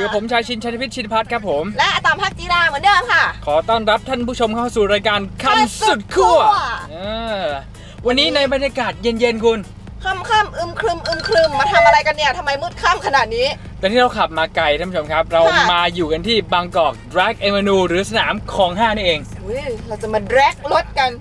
อยู่ผมชายชินชัยพิชิตพัฒน์ครับผมและอาตามภาคจีราเหมือนเดิมค่ะขอต้อนรับท่านผู้ชมเข้าสู่รายการคันสุดขั้ววันนี้ในบรรยากาศเย็นๆคุณค่ำอึมครึมมาทำอะไรกันเนี่ยทำไมมืดค่ำขนาดนี้ตอนที่เราขับมาไกลท่านผู้ชมครับเรามาอยู่กันที่บางกอก Drag Avenue หรือสนามคลอง 5นี่เองเราจะมา drag รถกัน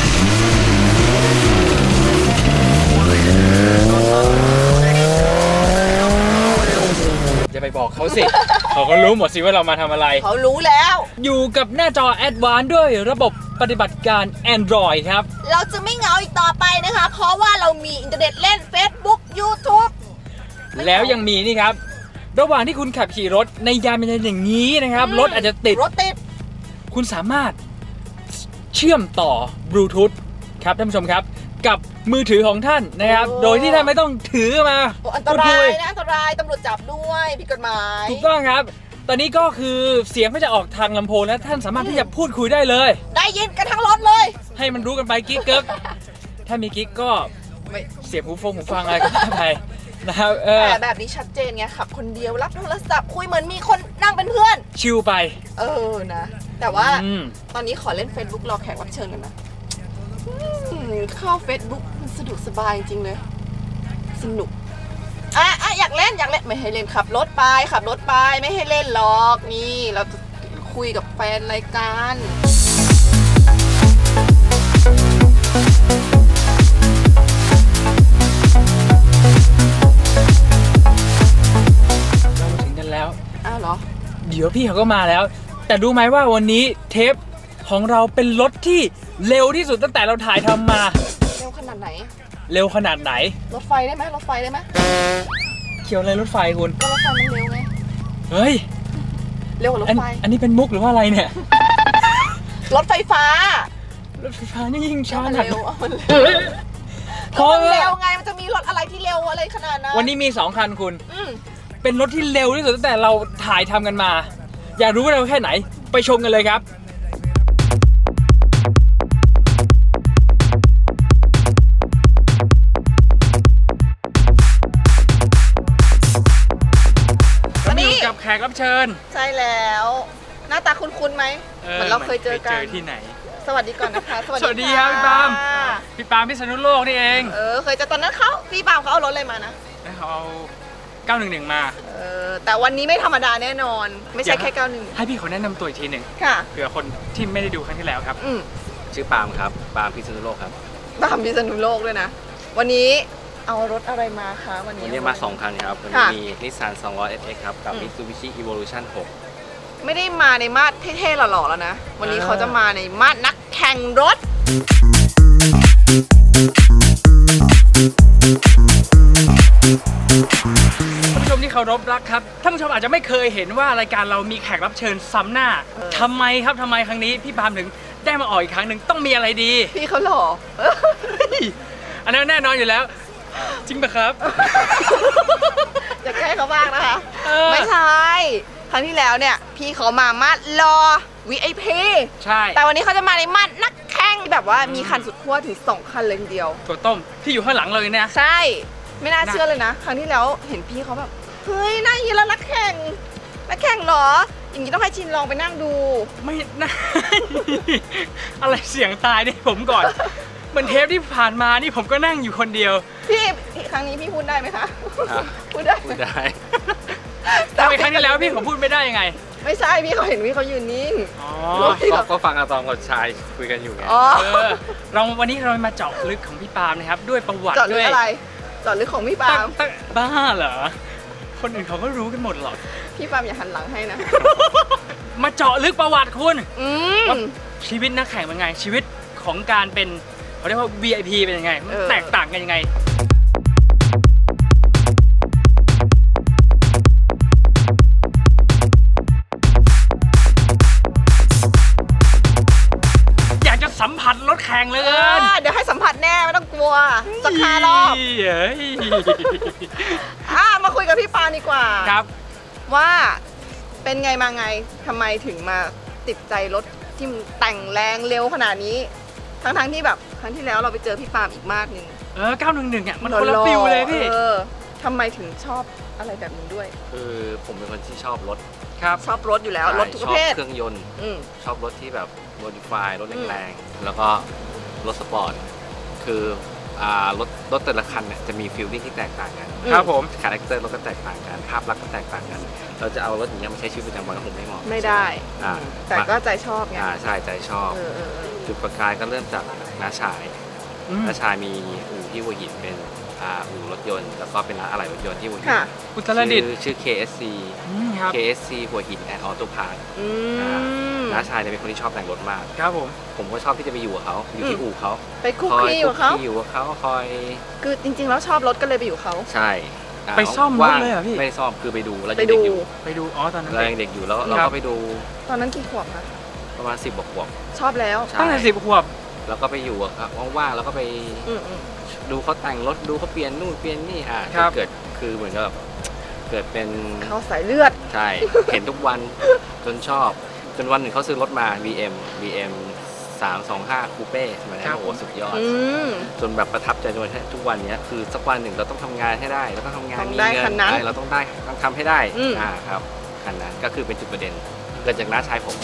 จะไปบอกเขาสิ เขาก็รู้หมดสิว่าเรามาทำอะไรเขารู้แล้วอยู่กับหน้าจอ Advanced ด้วยระบบปฏิบัติการ Android ครับเราจะไม่เหงาอีกต่อไปนะคะเพราะว่าเรามีอินเทอร์เน็ตเล่น Facebook YouTube แล้วยังมีนี่ครับระหว่างที่คุณขับขี่รถในยามเย็นอย่างนี้นะครับรถอาจจะติดคุณสามารถเชื่อมต่อบลูทูธครับท่านผู้ชมครับกับมือถือของท่านนะครับโดยที่ท่านไม่ต้องถือมาอันตรายนะอันตรายตำรวจจับด้วยผิดกฎหมายถูกต้องครับตอนนี้ก็คือเสียงก็จะออกทางลำโพงและท่านสามารถที่จะพูดคุยได้เลยได้ยินกันทั้งรถเลยให้มันรู้กันไปกิ๊กเกิร์กถ้ามีกิ๊กก็เสียบหูฟังอะไรก็ไปนะครับแต่แบบนี้ชัดเจนไงขับคนเดียวรับโทรศัพท์คุยเหมือนมีคนนั่งเป็นเพื่อนชิลไปนะแต่ว่าตอนนี้ขอเล่น Facebook รอแขกรับเชิญกันนะเข้า Facebook มันสะดวกสบายจริงเลยสนุกอยากเล่นไม่ให้เล่นขับรถไปไม่ให้เล่นหรอกนี่เราจะคุยกับแฟนรายการเราถึงกันแล้วเหรอเดี๋ยวพี่เขาก็มาแล้วแต่รู้ไหมว่าวันนี้เทปของเราเป็นรถที่เร็วที่สุดตั้งแต่เราถ่ายทำมาเร็วขนาดไหนรถไฟได้ไหมเกี่ยวอะไรรถไฟคุณก็รถไฟมันเร็วไงเฮ้ยเร็วกว่ารถไฟอันนี้เป็นมุกหรือว่าอะไรเนี่ยรถไฟฟ้านี่ยิ่งช้าหนักเพราะเร็วไงมันจะมีรถอะไรที่เร็วอะไรขนาดนั้นวันนี้มี2คันคุณเป็นรถที่เร็วที่สุดตั้งแต่เราถ่ายทำกันมาอยากรู้ว่าเร็วแค่ไหนไปชมกันเลยครับกับแขกรับเชิญใช่แล้วหน้าตาคุ้นๆไหมเหมือนเราเคยเจอกันที่ไหนสวัสดีก่อนนะคะสวัสดีครับพี่ปาล์มพิษณุโลกนี่เองเคยเจอตอนนั้นพี่ปาล์มเขาเอารถอะไรมานะเขาเอา911มาแต่วันนี้ไม่ธรรมดาแน่นอนไม่ใช่แค่91 ให้พี่เขาแนะนำตัวอีกทีหนึ่งเผื่อคนที่ไม่ได้ดูครั้งที่แล้วครับชื่อปาล์มครับปาล์มพิษณุโลกครับปาล์มพิษณุโลกด้วยนะวันนี้เอารถอะไรมาคะวันนี้มา2คันครับวันนี้มี Nissan 200 SX ครับกับ Mitsubishi Evolution 6 ไม่ได้มาในมาดเท่ๆหล่อๆแล้วนะวันนี้เขาจะมาในมาดนักแข่งรถท่านผู้ชมที่เคารพรักครับท่านผู้ชมอาจจะไม่เคยเห็นว่ารายการเรามีแขกรับเชิญซ้ำหน้าทำไมครั้งนี้พี่ปาล์มถึงได้มาออกอีกครั้งหนึ่งต้องมีอะไรดีพี่เขาหล่ออันนั้นแน่นอนอยู่แล้วจริงปะครับจะแก้เขาบ้างนะคะไม่ใช่ครั้งที่แล้วเนี่ยพี่เขามามัดรอ VIP ใช่แต่วันนี้เขาจะมาในมัดนักแข่งแบบว่ามีคันสุดขั้วถึง2คันเลยทีเดียวตัวต้มที่อยู่ข้างหลังเลยเนี่ยใช่ไม่น่าเชื่อเลยนะครั้งที่แล้วเห็นพี่เขาแบบเฮ้ยน่ายินแล้วนักแข่งเหรออย่างนี้ต้องให้ชินลองไปนั่งดูไม่น่าอะไรเสียงตายนี่ผมก่อนเหมือนเทปที่ผ่านมานี่ผมก็นั่งอยู่คนเดียวพี่ครั้งนี้พี่พูดได้ไหมคะพูดได้แต่ครั้งที่แล้วพี่ผมพูดไม่ได้ยังไงไม่ใช่พี่เขาเห็นพี่เขายืนนิ่งก็ฟังอาตอมกับชายคุยกันอยู่ไงวันนี้เรามาเจาะลึกของพี่ปาล์มนะครับด้วยประวัติด้วยอะไรเจาะลึกของพี่ปาล์มบ้าเหรอคนอื่นเขาก็รู้กันหมดหรอกพี่ปาล์มอย่าหันหลังให้นะมาเจาะลึกประวัติคุณชีวิตนักแข่งเป็นไงชีวิตของการเป็นเขาเรียกว่า VIP เป็นยังไงแตกต่างกันยังไงอยากจะสัมผัสรถแข่งเลยเดี๋ยวให้สัมผัสแน่ไม่ต้องกลัวสัก5 รอบมาคุยกับพี่ปาดีกว่าครับว่าเป็นไงมาไงทำไมถึงมาติดใจรถที่แต่งแรงเร็วขนาดนี้ทั้งที่แบบครั้งที่แล้วเราไปเจอพี่ปาล์มอีกมากนึง 911อ่ะมันคนละฟิลเลยพี่ทำไมถึงชอบอะไรแบบนี้ด้วยคือผมเป็นคนที่ชอบรถครับชอบรถอยู่แล้วรถทุกประเภทชอบเครื่องยนต์ ชอบรถที่แบบโมดิฟายรถแรงๆแล้วก็รถสปอร์ตคือรถแต่ละคันเนี่ยจะมีฟีลลิ่งที่แตกต่างกันครับผมคาแรคเตอร์รถก็แตกต่างกันภาพลักษณ์ก็แตกต่างกัน เราจะเอารถอย่างนี้มาใช้ชีวิตประจำวันก็คงไม่เหมาะไม่ได้ แต่ก็ใจชอบไงใช่ใจชอบจุดประกายก็เริ่มจากน้าชายน้าชายมีอู่ที่หัวหินเป็นอู่รถยนต์แล้วก็เป็นร้านอะไหล่รถยนต์ที่หัวหินอุตรดิตถ์ชื่อ KSC ครับ KSC หัวหินแอนด์ออโต้พาร์ทน้าชายเนี่ยเป็นคนที่ชอบแต่งรถมากครับผมก็ชอบที่จะไปอยู่กับเขาอยู่ที่อู่เขาไปคุกคีอยู่กับเขาอยู่กับเขาคอยคือจริงๆแล้วชอบรถก็เลยไปอยู่เขาใช่ไปซ่อมรถเลยเหรอพี่ไม่ได้ซ่อมคือไปดูเราไปยังดูเด็กอยู่ไปดูอ๋อตอนนั้นเรายังเด็กอยู่แล้วเราก็ไปดูตอนนั้นกี่ขวบคะประมาณ10 กว่าขวบชอบแล้วใช่ตั้งแต่10 ขวบแล้วก็ไปอยู่อะครับว่างๆแล้วก็ไปดูเขาแต่งรถดูเขาเปลี่ยนนู่นเปลี่ยนนี่เกิดคือเหมือนกับเกิดเป็นเขาสายเลือดใช่ เห็นทุกวันจนชอบจนวันหนึ่งเขาซื้อรถมา BM 325คูเป้สมัยนั้นโอ้โหสุดยอดจนแบบประทับใจจนทุกวันนี้คือสักวันหนึ่งเราต้องทำงานให้ได้เราต้องทำงานมีเงินเราต้องได้ต้องทำให้ได้ครับคันนั้นก็คือเป็นจุดประเด็นเกิดจากน้าชายผม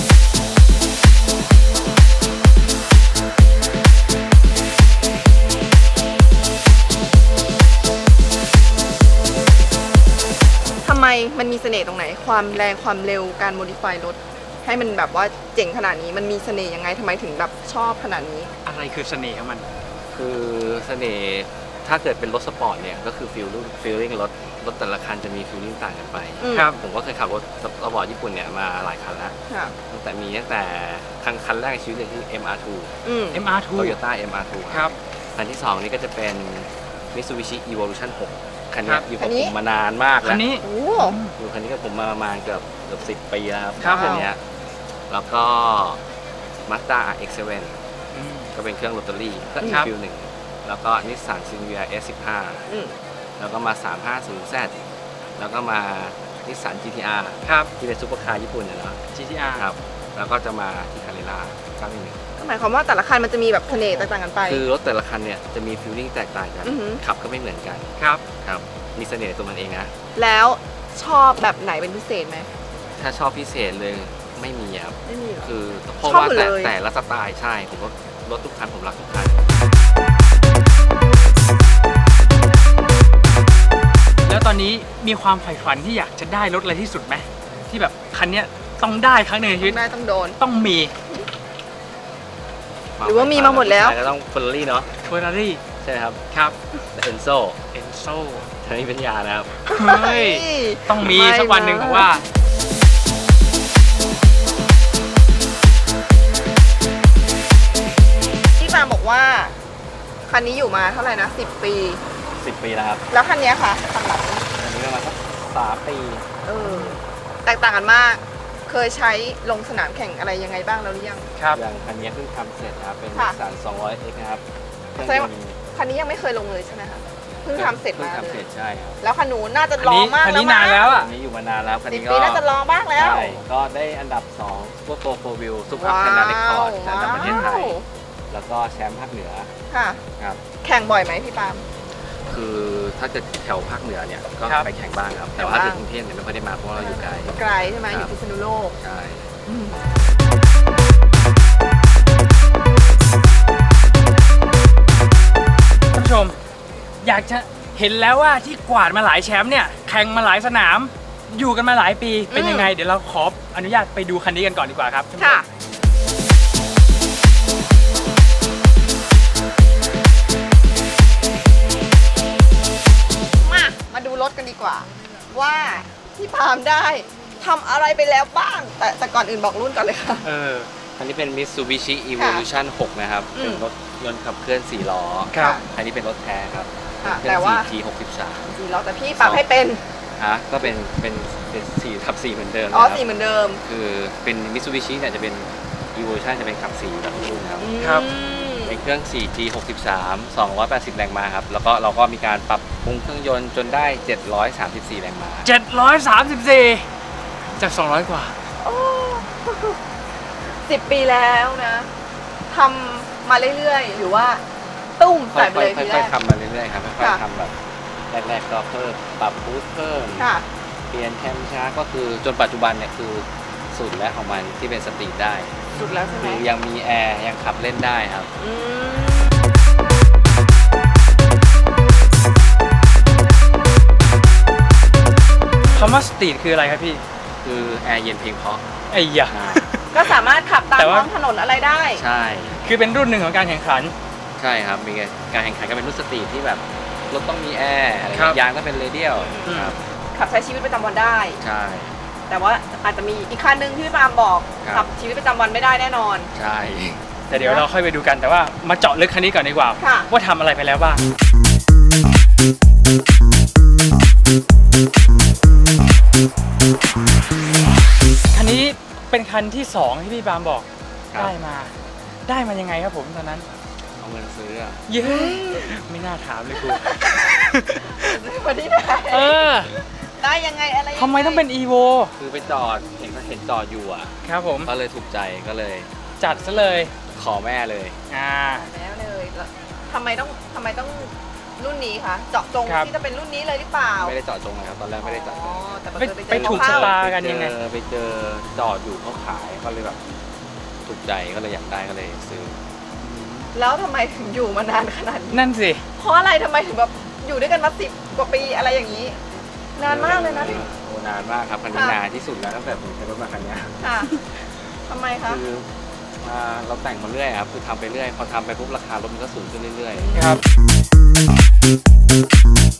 ทำไมมันมีเสน่ห์ตรงไหนความแรงความเร็วการโมดิฟายรถให้มันแบบว่าเจ๋งขนาดนี้มันมีเสน่ห์ยังไงทำไมถึงแบบชอบขนาดนี้อะไรคือเสน่ห์ของมันคือเสน่ห์ถ้าเกิดเป็นรถสปอร์ตเนี่ยก็คือฟีลลิ่งรถแต่ละคันจะมีฟีลลิ่งต่างกันไปครับผมก็เคยขับรถสปอร์ตญี่ปุ่นเนี่ยมาหลายคันแล้วตั้งแต่คันแรกในชีวิตเลยที่ MR2 Toyota MR2 ครับคันที่2นี่ก็จะเป็น Mitsubishi Evolution 6คันนี้อยู่กับผมมานานมากแล้วคันนี้อยู่คันนี้กับผมมาประมาณเกือบ10 ปีแล้วครับคันนี้แล้วก็ Mazda RX-7 ก็เป็นเครื่องโรตารี่ก็อีกฟิลหนึ่งแล้วก็นิสสันซินเวีย S15 แล้วก็มา 350Z แล้วก็มานิสสัน GTR ที่เป็นซุปเปอร์คาร์ญี่ปุ่นนะ GTR ครับแล้วก็จะมาที่คาเรล่า911 ก็หมายความว่าแต่ละคันมันจะมีแบบเสน่ห์แตกต่างกันไปคือรถแต่ละคันเนี่ยจะมีฟีลลิ่งแตกต่างกันขับก็ไม่เหมือนกันครับมีเสน่ห์ตัวมันเองนะแล้วชอบแบบไหนเป็นพิเศษไหมถ้าชอบพิเศษเลยไม่มีครับไม่มีคือเพราะว่าแต่ละสไตล์ใช่ผมว่ารถทุกคันผมรักทุกคันแล้วตอนนี้มีความใฝ่ฝันที่อยากจะได้รถอะไรที่สุดไหมที่แบบคันนี้ต้องได้ครั้งหนึ่งในชีวิตต้องโดนต้องมีหรือว่ามีมาหมดแล้วก็ต้องเฟอร์รารี่เนาะเฟอร์รารี่ใช่ครับเอ็นโซทางนี้เป็นยานะครับเฮ้ยต้องมีสักวันหนึ่งผมว่าพี่ปาบอกว่าคันนี้อยู่มาเท่าไหร่นะ10 ปีแล้วครับแล้วคันนี้ค่ะคันหลังอันนี้ประมาณสัก3 ปีแตกต่างกันมากเคยใช้ลงสนามแข่งอะไรยังไงบ้างแล้วหรือยังอย่างคันนี้เพิ่งทำเสร็จนะครับเป็นนิสสัน 200X นะครับคันนี้ยังไม่เคยลงเลยใช่ไหมคะเพิ่งทำเสร็จมาเลยใช่ครับแล้วคันนู้นน่าจะรอมากแล้วคันนี้นานแล้วอ่ะคันนี้อยู่มานานแล้วคันนี้ก็น่าจะรอมากแล้วใช่ก็ได้อันดับ2พวกโปรวิวซุปเปอร์คาร์เรคคอร์ดในประเทศไทยแล้วก็แชมป์ภาคเหนือครับแข่งบ่อยไหมพี่ปาล์มคือถ้าเกิดแถวภาคเหนือเนี่ยก็ไปแข่งบ้างครับแต่ว่าถึงกรุงเทพเนี่ยไม่ค่อยได้มาเพราะเราอยู่ไกลใช่ไหมอยู่พิษณุโลกใช่ท่านผู้ชมอยากจะเห็นแล้วว่าที่กวาดมาหลายแชมป์เนี่ยแข่งมาหลายสนามอยู่กันมาหลายปีเป็นยังไงเดี๋ยวเราขออนุญาตไปดูคันนี้กันก่อนดีกว่าครับค่ะมาดูรถกันดีกว่าว่าพี่ปาล์มได้ทำอะไรไปแล้วบ้างแต่ก่อนอื่นบอกรุ่นก่อนเลยค่ะอันนี้เป็น Mitsubishi Evolution 6 นะครับเป็นรถยนต์ขับเคลื่อน4 ล้ออันนี้เป็นรถแท้ครับแต่ว่า 4G63 4 ล้อแต่พี่ปรับให้เป็นก็เป็น4/4เหมือนเดิม 4เหมือนเดิมคือเป็น Mitsubishi เนี่ยจะเป็น Evolution จะเป็นขับ4แบบรุ่นครับเป็นเครื่อง 4G63 280 แรงม้าครับแล้วก็เราก็มีการปรับปรุงเครื่องยนต์จนได้734 แรงม้า 734จาก200 กว่า 10 ปีแล้วนะทำมาเรื่อยๆหรือว่าตุ้มใส่ไปเลยค่อยๆทำมาเรื่อยๆครับค่อยๆทำแบบแรกๆก็เพิ่มปรับบูสต์เพิ่มค่ะเปลี่ยนแคมช้าก็คือจนปัจจุบันเนี่ยคือสุดแล้วของมันที่เป็นสตรีทได้สุดแล้วใช่ไหมคือยังมีแอร์ยังขับเล่นได้ครับอืมคำว่าสตรีทคืออะไรครับพี่คือแอร์เย็นเพียงเพราะไอ้ยะก็สามารถขับตามแต่ว่าท้องถนนอะไรได้ใช่คือเป็นรุ่นหนึ่งของการแข่งขันใช่ครับมีการแข่งขันกันเป็นรุ่นสตรีทที่แบบรถต้องมีแอร์อะไรครับยางต้องเป็นเรเดียลครับขับใช้ชีวิตประจำวันได้ใช่แต่ว่าอาจจะมีอีกคันหนึ่งที่พี่ปาล์มบอกครับขับชีวิตประจำวันไม่ได้แน่นอนใช่แต่เดี๋ยวเราค่อยไปดูกันแต่ว่ามาเจาะลึกคันนี้ก่อนดีกว่าค่ะว่าทำอะไรไปแล้วบ้างคันนี้เป็นคันที่2ที่พี่ปาล์มบอกครับได้มายังไงครับผมตอนนั้นเอาเงินซื้ออะเย้ไม่น่าถามเลยครูวันนี้ได้เออได้ยังไงอะไรยังงทำไมต้องเป็น EVO คือไปจอดเห็นจอดอยู่อ่ะครับผมก็เลยถูกใจก็เลยจัดซะเลยขอแม่เลยแล้วเลยแล้วทำไมต้องรุ่นนี้คะเจาะจงครับที่จะเป็นรุ่นนี้เลยหรือเปล่าไม่ได้จอดจงเลยครับตอนแรกไม่ได้จอดจอ๋อง แต่บังไปเอิญไปถูกชะตา กันไปยังไงไปเจอจอดอยู่เขาขายก็เลยแบบถูกใจก็เลยอยากได้ก็เลยซื้อแล้วทำไมถึงอยู่มานานขนาดนี้นั่นสิเพราะอะไรทำไมถึงแบบอยู่ด้วยกันมา10 กว่าปีอะไรอย่างนี้ นานมากเลยนะพี่โอ้นานมากครับคันนี้ค่ะนานที่สุดแล้วตั้งแต่ผมใช้รถมาคันเนี้ยค่ะทำไมคะคือเราแต่งมาเรื่อยครับคือทำไปเรื่อยพอทำไปปุ๊บราคารถมันก็สูงขึ้นเรื่อยครับ